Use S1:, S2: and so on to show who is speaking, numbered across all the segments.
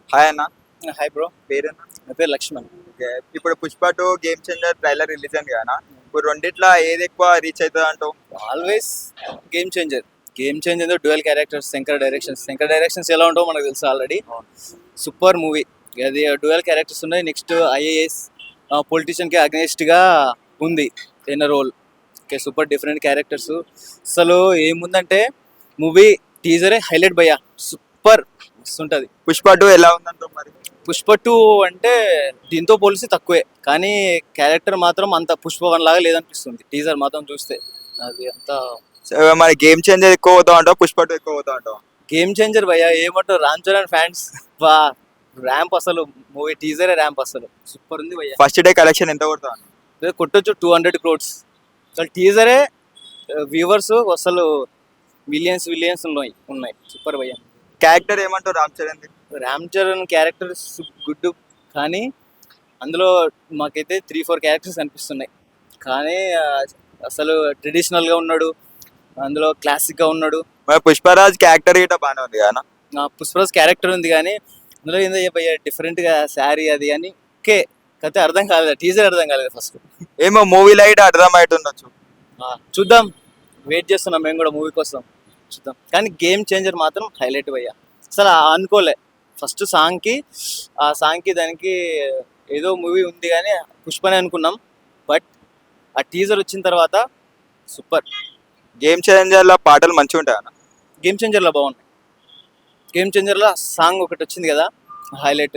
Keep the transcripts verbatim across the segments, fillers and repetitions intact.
S1: Hi అన్న.
S2: Hi bro,
S1: పేరేనా?
S2: నా పేరు లక్ష్మణ్.
S1: ఓకే. ఇప్పుడు Pushpa two game changer trailer release అయింది కదా. ఇప్పుడు రెండిట్లో ఏది ఎక్కువ రీచ్ అవుతుంది అంటావు?
S2: Always game changer. Game changer dual characters, Shankar directions. Shankar directions ఎలా ఉంటావో మనకు తెలుసు ఆల్రెడీ. సూపర్ మూవీ అది. డ్యూయల్ క్యారెక్టర్స్ ఉన్నాయి. నెక్స్ట్ ఐఏఎస్ పొలిటీషియన్కి అగ్నెస్ట్గా ఉంది in role. Okay, super different characters. అసలు ఏముందంటే మూవీ టీజరే హైలైట్ భయ్యా, సూపర్ ఉంటుంది.
S1: పుష్ప టూ ఎలా ఉందంటావు మరి?
S2: పుష్ప టూ అంటే దీంతో పోలిసి తక్కువే, కానీ క్యారెక్టర్ మాత్రం అంత పుష్ప వన్ లాగా లేదనిపిస్తుంది టీజర్ మాత్రం చూస్తే. అది అంతా
S1: సో మరి గేమ్ చేంజర్ ఎక్కువ పోతా అంటావు, పుష్ప టూ ఎక్కువ పోతా అంటావు?
S2: గేమ్ చేంజర్ భయ్యా. ఏమంటారు రామ్ చరణ్ ఫ్యాన్స్, వా ర్యాంప్ అసలు. మూవీ టీజరే ర్యాంప్ అసలు సూపర్ ఉంది భయ్యా.
S1: ఫస్ట్ డే కలెక్షన్ ఎంత కొడతావు?
S2: కొట్టొచ్చు టూ హండ్రెడ్ క్రోడ్స్. అసలు టీజరే వ్యూవర్స్ అసలు మిలియన్స్ మిలియన్స్ ఉన్నాయి ఉన్నాయి సూపర్ భయ్యా.
S1: క్యారెక్టర్ ఏమంటావు రామ్ చరణ్?
S2: రామ్ చరణ్ క్యారెక్టర్ గుడ్, కానీ అందులో మాకైతే త్రీ ఫోర్ క్యారెక్టర్స్ అనిపిస్తున్నాయి. కానీ ఆ, అసలు ట్రెడిషనల్గా ఉన్నాడు, అందులో క్లాసిక్గా ఉన్నాడు.
S1: మరి పుష్పరాజ్ క్యారెక్టర్ గిట్ట బాగానే ఉంది కదా.
S2: ఆ, పుష్పరాజ్ క్యారెక్టర్ ఉంది, కానీ అందులో ఏందో చెప్పయ్యా డిఫరెంట్గా శారీ అది అని. ఓకే, అయితే అర్థం కాలేదు, టీజర్ అర్థం కాలేదు ఫస్ట్.
S1: ఏమో మూవీ లైట్ అర్థం అవుతుండొచ్చు.
S2: చూద్దాం, వెయిట్ చేస్తున్నాం మేము కూడా మూవీ కోసం, చూద్దాం. కానీ గేమ్ చేంజర్ మాత్రం హైలైట్ భయ్యా. అసలు అనుకోలే ఫస్ట్ సాంగ్కి, ఆ సాంగ్కి దానికి ఏదో మూవీ ఉంది కానీ పుష్పనే అనుకున్నాం. బట్ ఆ టీజర్ వచ్చిన తర్వాత సూపర్.
S1: గేమ్ చేంజర్ లో పాటలు మంచిగా ఉంటాయి అన్న.
S2: గేమ్ చేంజర్లో బాగున్నాయి. గేమ్ చేంజర్లో సాంగ్ ఒకటి వచ్చింది కదా హైలైట్.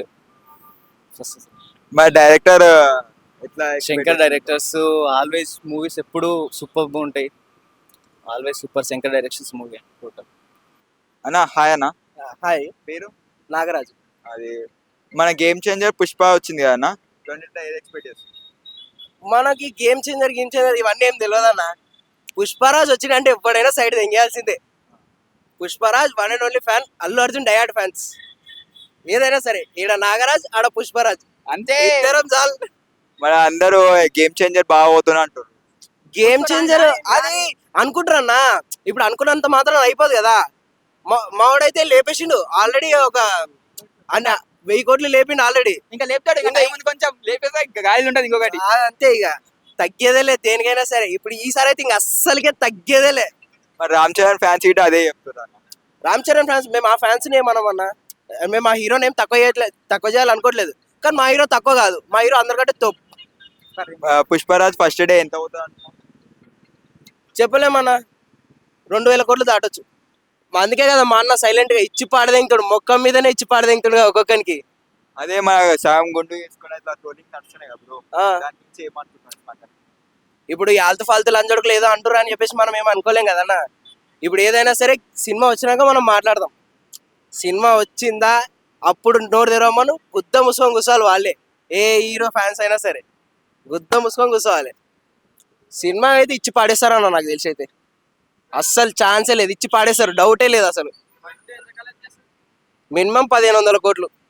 S2: ఫస్ట్
S1: మరి డైరెక్టర్ ఎట్లా?
S2: శంకర్ డైరెక్టర్స్ ఆల్వేస్ మూవీస్ ఎప్పుడు సూపర్గా ఉంటాయి. Always super Shankar directions movie total.
S1: అన్న హాయ్ అన్న.
S3: హాయ్,
S1: పేరు?
S3: నాగరాజు.
S1: అది మన గేమ్ చేంజర్ పుష్ప వచ్చింది కదా అన్న, రెండిట్లో ఏది ఎక్స్పెక్ట్ చేస్తుంది?
S3: మనకి గేమ్ చేంజర్ గేమ్ చేంజర్ ఇవన్నీ ఏం తెలియదు అన్న. పుష్పరాజ్ వచ్చిందంటే ఎప్పుడైనా సైడ్ తెంగేయాల్సిందే. Pushparaj one and only fan, Allu Arjun డయాడ్ ఫ్యాన్స్. ఏదైనా సరే, ఈడ నాగరాజ్ ఆడ పుష్పరాజ్,
S2: అంతే.
S3: ఇద్దరం చాలు.
S1: మరి అందరూ గేమ్ చేంజర్ బాగా పోతున్నా అంటారు.
S3: గేమ్ చేంజర్ అది అనుకుంటారన్నా, ఇప్పుడు అనుకున్నంత మాత్రం అయిపోదు కదా. మా- మావాడైతే లేపేసిండు ఆల్రెడీ, ఒక అన్న వెయ్యి కోట్లు లేపిండు ఆల్రెడీ.
S2: ఇంకా లేపుతాడు, ఇంకా టైం ఉంది కొంచెం, లేపేసా గాయలు ఉంటుంది ఇంకొకటి.
S3: అంతే, ఇక తగ్గేదేలే దేనికైనా సరే. ఇప్పుడు ఈసారి అయితే ఇంక అస్సలకే తగ్గేదేలే.
S1: మరి రామ్ చరణ్ ఫ్యాన్స్ గిట్ట అదే చెప్తున్నారు.
S3: రామ్ చరణ్ ఫ్యాన్స్ మేము ఆ ఫ్యాన్స్ ఏమన్నామన్నా, మేము ఆ హీరోని ఏం తక్కువ చేయట్లేదు, తక్కువ చేయాలనుకోవట్లేదు. కానీ మా హీరో తక్కువ కాదు, మా హీరో అందరికంటే తప్పు.
S1: ఆ, పుష్పరాజ్ ఫస్ట్ డే ఎంత అవుతుంది అనుకో?
S3: చెప్పలేమన్నా, రెండు వేల కోట్లు దాటొచ్చు. మా అందుకే కదా మా అన్న సైలెంట్ గా ఇచ్చి పాడదెంగుతాడు, మొక్కం మీదనే ఇచ్చి పాడదెంగుతాడు ఒక్కొక్కరికి.
S1: అదే మన సగం గుండు తీసుకుని అట్లా ట్రోలింగ్ నడుస్తున్నాయి కదా బ్రో,
S3: ఆ,
S1: దాని నుంచి ఏమంటున్నారు పక్కన?
S3: ఇప్పుడు ఈ ఆల్తు ఫాల్తు లంజడుకులు ఏదో అంటురా అని చెప్పేసి మనం ఏం అనుకోలేం కదన్న. ఇప్పుడు ఏదైనా సరే సినిమా వచ్చినాక మనం మాట్లాడదాం. సినిమా వచ్చిందా అప్పుడు నోరు తెరవమను, గుద్ద ముసుకొని కూర్చోవాలి వాళ్ళే. ఏ హీరో ఫ్యాన్స్ అయినా సరే గుద్ద ముసుకొని కూర్చోవాలి. సినిమా అయితే ఇచ్చి పాడేస్తారన్న, నాకు తెలిసి అయితే అస్సలు ఛాన్సే లేదు, ఇచ్చి పాడేస్తారు, డౌటే లేదు అసలు. మినిమం పదిహేను వందల కోట్లు.